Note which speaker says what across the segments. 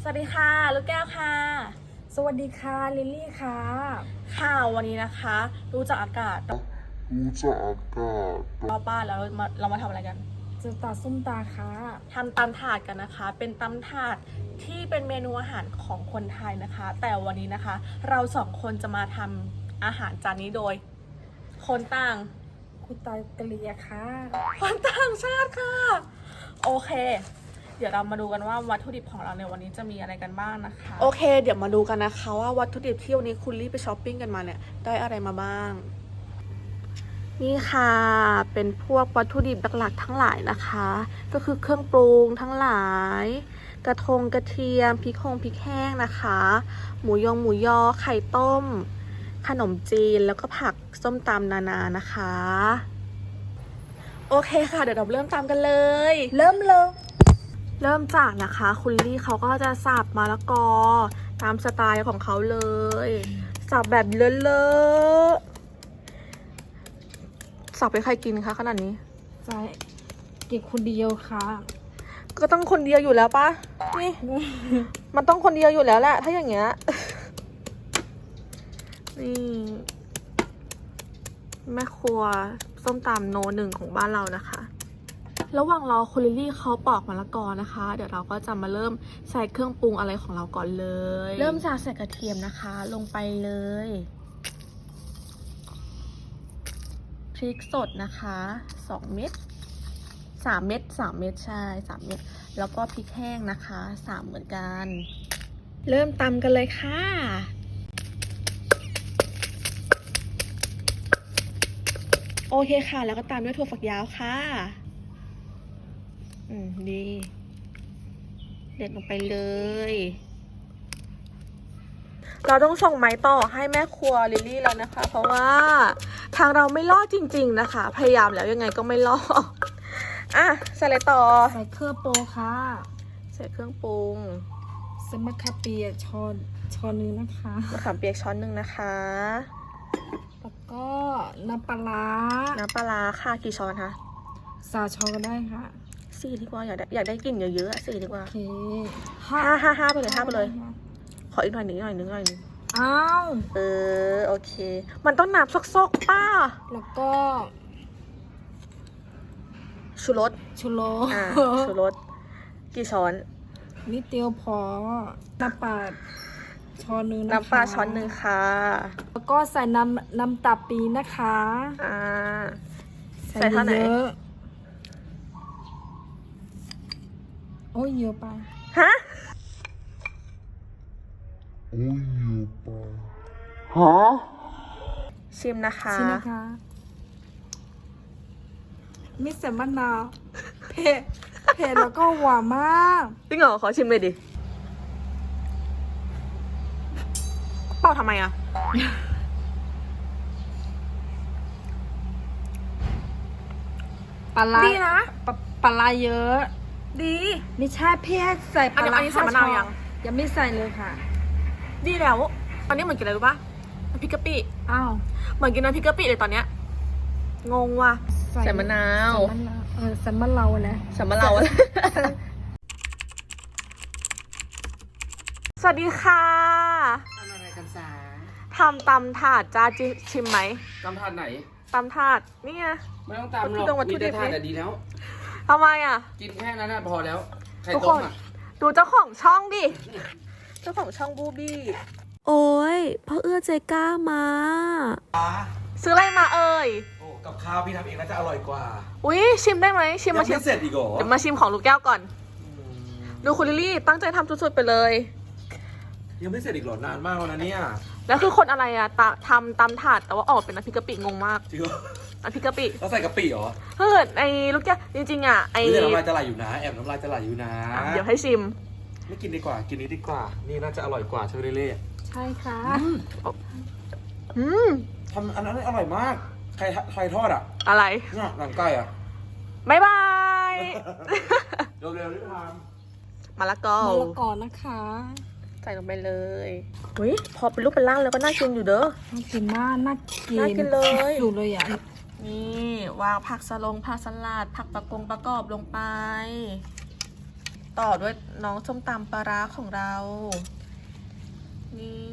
Speaker 1: วัสดีค่ะลูกแก้วค่ะ
Speaker 2: สวัสดีค่ะลิลลี่ค่ะ
Speaker 1: ค่ะวันนี้นะคะรู้จักอากาศเราบ้านแล้วเรามาทำอะไรกัน
Speaker 2: จะตัดส้มตาค่ะ
Speaker 1: ทำตำถาดกันนะคะ เป็นตำถาดที่เป็นเมนูอาหารของคนไทยนะคะ แต่วันนี้นะคะ เราสองคนจะมาทำอาหารจานนี้โดย คนต่าง
Speaker 2: คุณตากะเลียค่ะ
Speaker 1: คนต่างชาติค่ะโอเคเดี๋ยวเรามาดูกันว่าวัตถุดิบของเราในวันนี้จะมีอะไรกันบ้างนะคะโอเคเดี๋ยวมาดูกันนะคะว่าวัตถุดิบที่วันนี้คุณลี่ไปช้อปปิ้งกันมาเนี่ยได้อะไรมาบ้างนี่ค่ะเป็นพวกวัตถุดิบหลักๆทั้งหลายนะคะก็คือเครื่องปรุงทั้งหลายกระเทียมพริกแห้งนะคะหมูยอไข่ต้มขนมจีนแล้วก็ผักส้มตำนานานะคะโอเคค่ะเดี๋ยวเราเริ่มตำกันเลยเริ่มจากนะคะคุณลี่เขาก็จะสับมะละกอตามสไตล์ของเขาเลยสับแบบเลอะๆสับไปใครกินคะขนาดนี้
Speaker 2: ใช่เก็บคนเดียวค่ะ
Speaker 1: ก็ต้องคนเดียวอยู่แล้วปะนี่ มันต้องคนเดียวอยู่แล้วแหละถ้าอย่างเงี้ยนี่แม่ครัวส้มตำโนหนึ่งของบ้านเรานะคะระหว่างรอคุณลิลลี่เขาปอกมะละกอนะคะเดี๋ยวเราก็จะมาเริ่มใส่เครื่องปรุงอะไรของเราก่อนเลยเริ่มจากใส่กระเทียมนะคะลงไปเลยพริกสดนะคะ2 เม็ด3 เม็ดใช่3 เม็ดแล้วก็พริกแห้งนะคะ3เหมือนกันเริ่มตำกันเลยค่ะโอเคค่ะแล้วก็ตามด้วยถั่วฝักยาวค่ะดีเด็ดลงไปเลยเราต้องส่งไม้ต่อให้แม่ครัวลิลลี่แล้วนะคะเพราะว่าทางเราไม่รอดจริงๆนะคะพยายามแล้วยังไงก็ไม่รอดอ่ะใส่อะไรต่อ
Speaker 2: ใส่เครื่องปรุงค่ะ
Speaker 1: ใส่เครื่องปรุง
Speaker 2: ใส่มะขามเปียกช้อนนึงนะคะ
Speaker 1: มะขามเปียกช้อนนึงนะคะ
Speaker 2: แล้วก็น้ำปลา
Speaker 1: ค่ะกี่ช้อนคะ
Speaker 2: 3 ช้อนก็ได้ค่ะ
Speaker 1: 4ดีกว่าอยากได้กลิ่นเยอะๆ4ดีกว่า
Speaker 2: โอเค
Speaker 1: 5ไปเลยขออีกหน่อยนึง
Speaker 2: อ้าว
Speaker 1: โอเคมันต้องน้ำซกๆป้า
Speaker 2: แล้วก็
Speaker 1: ชูรสชูรสกี่ช้อน
Speaker 2: นิดเดียวพอน้ำปลาช้อนนึงนะคะ
Speaker 1: น้ำปลาช้อนนึงค่ะ
Speaker 2: แล้วก็ใส่น้ำตาปีนะคะ
Speaker 1: ใส่เท่าไหร่
Speaker 2: โอ้ยเยอะไป
Speaker 1: ฮะชิมนะคะ
Speaker 2: มิสมะนาวเผ็ดแล้วก็หวานมาก
Speaker 1: จริงเหรอขอชิมเลยดิเปล่าทำไมอ่ะ
Speaker 2: ปลา
Speaker 1: ดีนะ
Speaker 2: ปลาเยอะ
Speaker 1: ดี
Speaker 2: ไม่ใช่พี่ใส่ปลา
Speaker 1: อันนี้ใส่มะนาว
Speaker 2: ยังไม่ใส่เลยค่ะ
Speaker 1: ดีแล้วตอนนี้เหมือนกินอะไรรู้ป่ะน้ำพริกกะปิ
Speaker 2: อ้าว
Speaker 1: เหมือนกินน้ำพริกกะปิเลยตอนเนี้ยงงว่ะใส่มะนาว
Speaker 2: ใส่มะนาวนะ
Speaker 1: ใส่มะนาวสวัสดีค่ะ
Speaker 3: ทำอะไรกันสา
Speaker 1: ทำตำถาดจ้าชิมไหม
Speaker 3: ตำถาดไหน
Speaker 1: ตำถาดนี่ไง
Speaker 3: ไม่ต้องตำหรอกมีแต่ถาดแต่ดีแล้ว
Speaker 1: ทำไมอ่ะ
Speaker 3: กินแค่นั้นพอแล้วไข่ต้มอ่ะ
Speaker 1: ดูเจ้าของช่องดิเจ้าของช่องบูบี้โอ้ยพ่อเอื้อใจกล้ามาซื้ออะไรมาเอ่ย
Speaker 3: โอ้กับข้าวพี่ทำเองน่าจะอร่อยกว่า
Speaker 1: อุ้ยชิมได้ไหมชิมมาชิม
Speaker 3: เสร็จอีกเหรอ
Speaker 1: เดี๋ยวมาชิมของลูกแก้วก่อนดูคุณลิลลี่ตั้งใจทำสุดๆไปเลย
Speaker 3: ยังไม่เสร็จอีกเหรอนานมากแล้วนะเนี่ย
Speaker 1: แล้วคือคนอะไรอะทำตำถาดแต่ว่าออกเป็นน้ำพริกกะปิงงมาก
Speaker 3: จริงเหรอ
Speaker 1: น้ำพริกกะปิ
Speaker 3: เราใส่กะปิเหรอ
Speaker 1: เฮ้ยไอ้ลูกแก้วจริงๆอะไอ้
Speaker 3: น้ำลายจะไหลอยู่นะแอบน้ำลายจะไหลอยู่นะ
Speaker 1: เดี๋ยวให้ชิม
Speaker 3: ไม่กินดีกว่ากินนี้ดีกว่านี่น่าจะอร่อยกว่าเชอร์เล่
Speaker 2: ใช่ค่ะ
Speaker 3: ทำอันนั้นอร่อยมากใครทอดอ่ะ
Speaker 1: อะไร
Speaker 3: เนี่ยหนังไก่อ่ะ
Speaker 1: บ๊ายบาย
Speaker 3: เร็วๆรีบท
Speaker 1: ำมะละกอ
Speaker 2: นะคะ
Speaker 1: ใส่ลงไปเลยอุ้ยพอเป็นรูปเป็นร่างแล้วก็น่ากินอยู่เด้อ
Speaker 2: น่ากินมากน่า
Speaker 1: กินเลย
Speaker 2: อยู่เลยอ่ะ
Speaker 1: นี่วางผักสลัดผักประกอบลงไปต่อด้วยน้องส้มตำปลาร้าของเรา นี่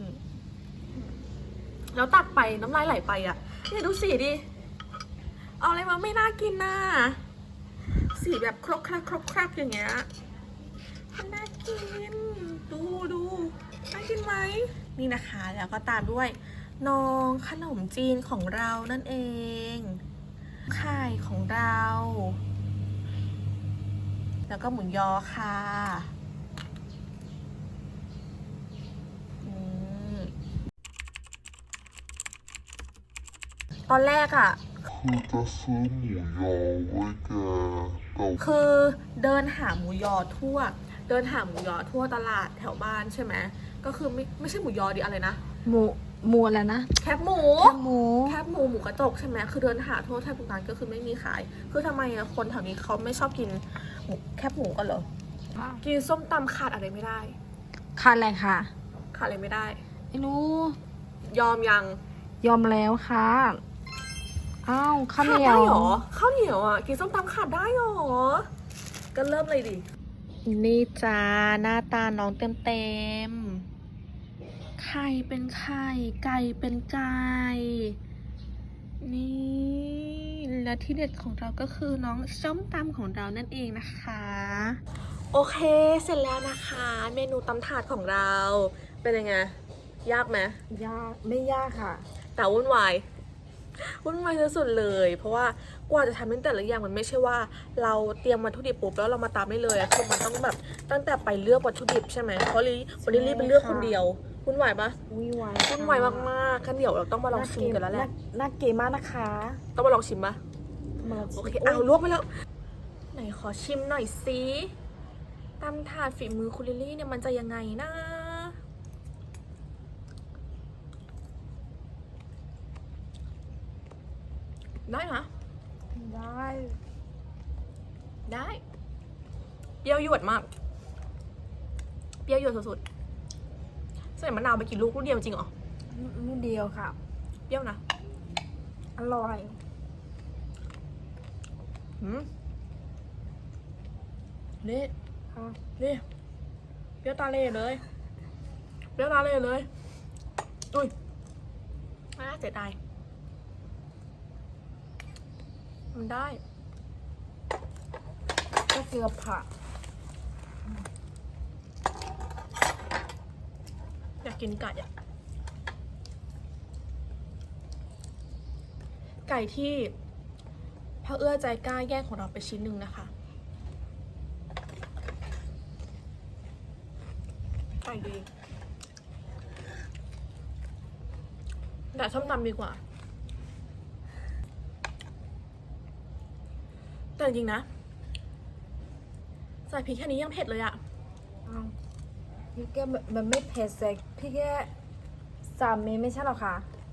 Speaker 1: แล้วตักไปน้ำลายไหลไปอ่ะเนี่ยดูสีดิ เอาอะไรมาไม่น่ากินน่ะสีแบบครกครักอย่างเงี้ยมันน่ากิน ดูน่ากินไหมนี่นะคะแล้วก็ตามด้วยน้องขนมจีนของเรานั่นเองไข่ของเรา แล้วก็หมูยอค่ะตอนแรกอะ
Speaker 4: คือจะซื้อหมูยอไว้แกแต่
Speaker 1: คือเดินหาหมูยอทั่ว ตลาดแถวบ้านใช่ไหมก็คือไม่ใช่หมูยอดิอะไรนะ
Speaker 2: หมูอะไรนะ
Speaker 1: แคบหมู
Speaker 2: หมู
Speaker 1: หมูกระจกใช่ไหมคือเดินหาทั่วแทบทุกร้านก็คือไม่มีขาย คือทำไมอะคนแถวนี้เขาไม่ชอบกินแคบหมูกันเหรอ กินส้มตำขาดอะไรไม่ได้
Speaker 2: ขาดอะไรค่ะ
Speaker 1: ขาดอะไรไม่ได้
Speaker 2: ไม่รู้
Speaker 1: ยอมยัง
Speaker 2: ยอมแล้วค่ะอ้าวข้าวเห
Speaker 1: ขาด
Speaker 2: นีย
Speaker 1: ได้
Speaker 2: ว
Speaker 1: เหรอข้าวเหนียวอ่ะกินส้มตำขาดได้เหรอก็เริ่มเลยดินี่จ้าหน้าตาน้องเต็มไข่เป็นไข่ไก่เป็นไก่นี่และที่เด็ดของเราก็คือน้องส้มตำของเรานั่นเองนะคะโอเคเสร็จแล้วนะคะ เมนูตำถาดของเราเป็นยังไงยากไหม
Speaker 2: ยากไม่ยากค่ะ
Speaker 1: แต่วุ่นวายสุดๆเลย เพราะว่ากว่าจะทำเป็นแต่ละอย่างมันไม่ใช่ว่าเราเตรียมวัตถุดิบปุ๊บแล้วเรามาตามได้เลยอะคือมันต้องแบบตั้งแต่ไปเลือกวัตถุดิบใช่ไหมเพราะวันนี้รีบไปเลือกคนเดียววุ่นวายปะ
Speaker 2: วุ่นวาย
Speaker 1: วุ่นวายมากๆกันเดี๋ยวเราต้องมาลองชิมกันแล้วแหละ
Speaker 2: น่าเก๋มากนะคะ
Speaker 1: ต้องมาลองชิมปะ
Speaker 2: มา
Speaker 1: โอเคเอาลวกไปแล้ว ไหนขอชิมหน่อยสิตำถาดฝีมือคุณลิลลี่เนี่ยมันจะยังไงนะได้นะ
Speaker 2: ได้
Speaker 1: ได้เปรี้ยวหยวดมากเปรี้ยวหยวดสุดๆใส่มะนาวไปกี่ลูกเดียวจริงเหรอ
Speaker 2: นิดเดียวค่ะ
Speaker 1: เปรี้ยวนะ
Speaker 2: อร่อย
Speaker 1: นี่
Speaker 2: ค่ะ
Speaker 1: นี่เปรี้ยวตาเล่เลยอุ้ยน่าเสียดายมันได้
Speaker 2: ก็เกลือผัก
Speaker 1: อยากกินไก่อะไก่ที่พระเอื้อใจกล้าแย่งของเราไปชิ้นหนึ่งนะคะไก่ดีแต่ส้มตำดีกว่าแต่จริงๆนะใส่พริกแค่นี้ยังเผ็ดเลยอะ
Speaker 2: อ้าวพี่แกมันไม่เผ็ดเซ็กพี่แก3 เมตรไม่ใช่หรอคะ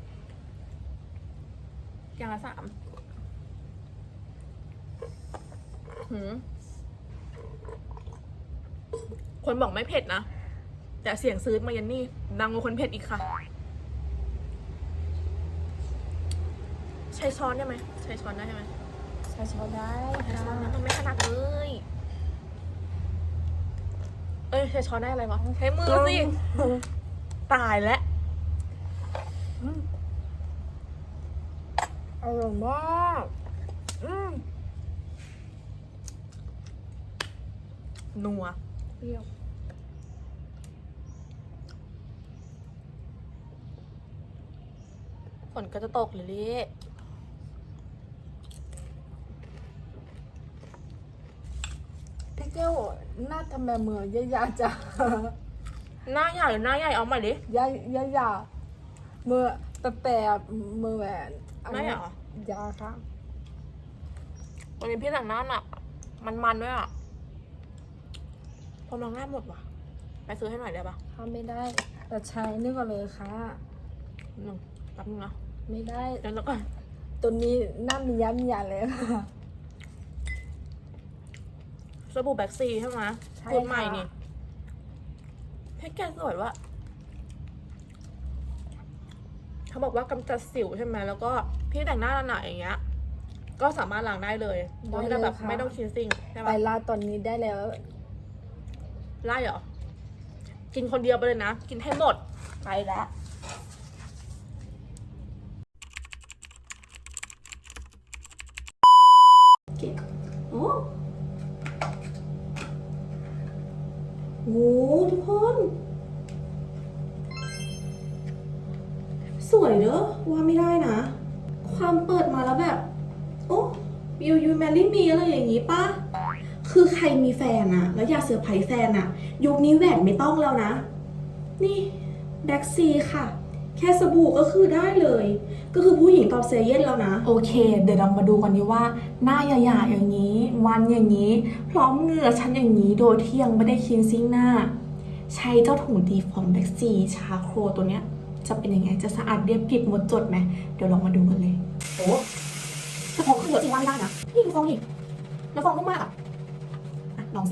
Speaker 1: อย่างละ3คนบอกไม่เผ็ดนะ แต่เสียงซื้อมายันนี่ดังกว่าคนเผ็ดอีกค่ะ ใช้ช้อนได้ไหมใช้ช้อนได้ไหม
Speaker 2: ใช้ช้อนได้
Speaker 1: ใช้
Speaker 2: ค่ะ
Speaker 1: ช้อนนะมันไม่ขนาดเลย เอ้ยใช้ช้อนได้อะไรวะใช้มือสิ ตายแล้ว
Speaker 2: อร่อยมาก
Speaker 1: นัว
Speaker 2: เปรี้ยว
Speaker 1: ฝนก็จะตกเลยลิ
Speaker 2: พี่แก้วหน้าทำไมมือยาจ้ะ
Speaker 1: หน้าใหญ่หน้าใหญ่เอาใหม่ดิ
Speaker 2: ยามือแต่มือแหวน
Speaker 1: ไม่เหรอ
Speaker 2: ยาค่ะ
Speaker 1: วันนี้พี่แต่งหน้าหนักมันด้วยอ่ะพอมองหน้าหมดว่ะไปซื้อให้หน่อยได้ปะ
Speaker 2: ทำไม่ได้แต่ใช้นี่ก่อนเลยค่ะ
Speaker 1: แป๊บนึงนะ
Speaker 2: ไม่ได้
Speaker 1: เดี๋ยวแล้วก่อน
Speaker 2: ตัวนี้หน้ามีย้ำยาเลยค่ะ
Speaker 1: สบู่แบ็กซีใช่ไหม
Speaker 2: ใช่
Speaker 1: ตัวใหม่
Speaker 2: ค่ะ
Speaker 1: นี่แพ็กเกจสวยว่ะเขาบอกว่ากำจัดสิวใช่ไหมแล้วก็พี่แต่งหน้าหนาๆอย่างเงี้ย ก็สามารถล้างได้เลยโดยที่เราแบบไม่ต้องชินซิ่งใช่
Speaker 2: ไป
Speaker 1: ปะ
Speaker 2: ลาตอนนี้ได้แล้ว
Speaker 1: ไล่เหรอ กินคนเดียวไปเลยนะ กินให้หมด ไปแล้ว
Speaker 5: โอ้โหทุกคน สวยเด้อว่าไม่ได้นะ ความเปิดมาแล้วแบบ โอ้ยูยูแมรี่มีอะไรอย่างงี้ป่ะ คือใครมีแฟนอะแล้วอยากเซอร์ไพรส์แฟนอะยุคนี้แหวนไม่ต้องแล้วนะ นี่แบ็กซีค่ะ แค่สบู่ก็คือได้เลย ก็คือผู้หญิงตอบเซเยนแล้วนะ โอเค เดี๋ยวเรามาดูกันดีว่า หน้าหยาๆอย่างนี้ วันอย่างนี้ พร้อมเหงื่อฉันอย่างนี้ โดยที่ยังไม่ได้คลีนซิ่งหน้า ใช้เจ้าถุงดีฟอร์มแบ็กซีชาโครตัวเนี้ย จะเป็นยังไง จะสะอาดเรียบกริบหมดจดไหม เดี๋ยวลองมาดูกันเลย โอ้แต่ฟองคือเยอะจริงว่าไม่ได้นะ นี่ดูฟองอีกแล้วฟองนุ่มมากอะลองสิ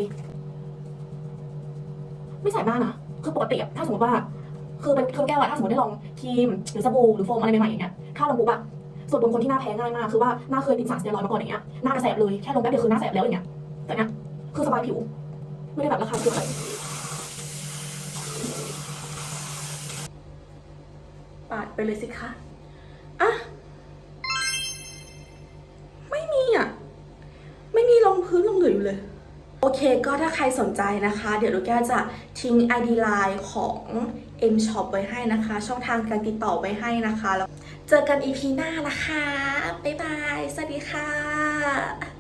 Speaker 5: ไม่ใส่มากนะ คือปกติอะถ้าสมมติว่า คือเป็นเครื่องแก้วอะถ้าสมมติได้ลองครีมหรือสบู่หรือโฟมอะไรใหม่ๆอย่างเงี้ยถ้าลองปุ๊บอะส่วนตัวคนที่หน้าแพ้ง่ายมากคือว่าหน้าเคยกินสารสเตียรอยด์มาก่อนอย่างเงี้ยหน้ากระแสบเลยแค่ลงแป๊บเดียวคือหน้าแสบแล้วอย่างเงี้ยแต่เนี้ยคือสบายผิวไม่ได้แบบราคาเกินเลยปาดไปเลยสิคะอ่ะไม่มีอะไม่มีรองพื้นลงเหลืออยู่เลย โอเคก็ถ้าใครสนใจนะคะ เดี๋ยวลูกแก้วจะทิ้ง ID Line ของ M Shop ไว้ให้นะคะ ช่องทางการติดต่อไว้ให้นะคะแล้วเจอกัน EP หน้านะคะ บ๊ายบาย สวัสดีค่ะ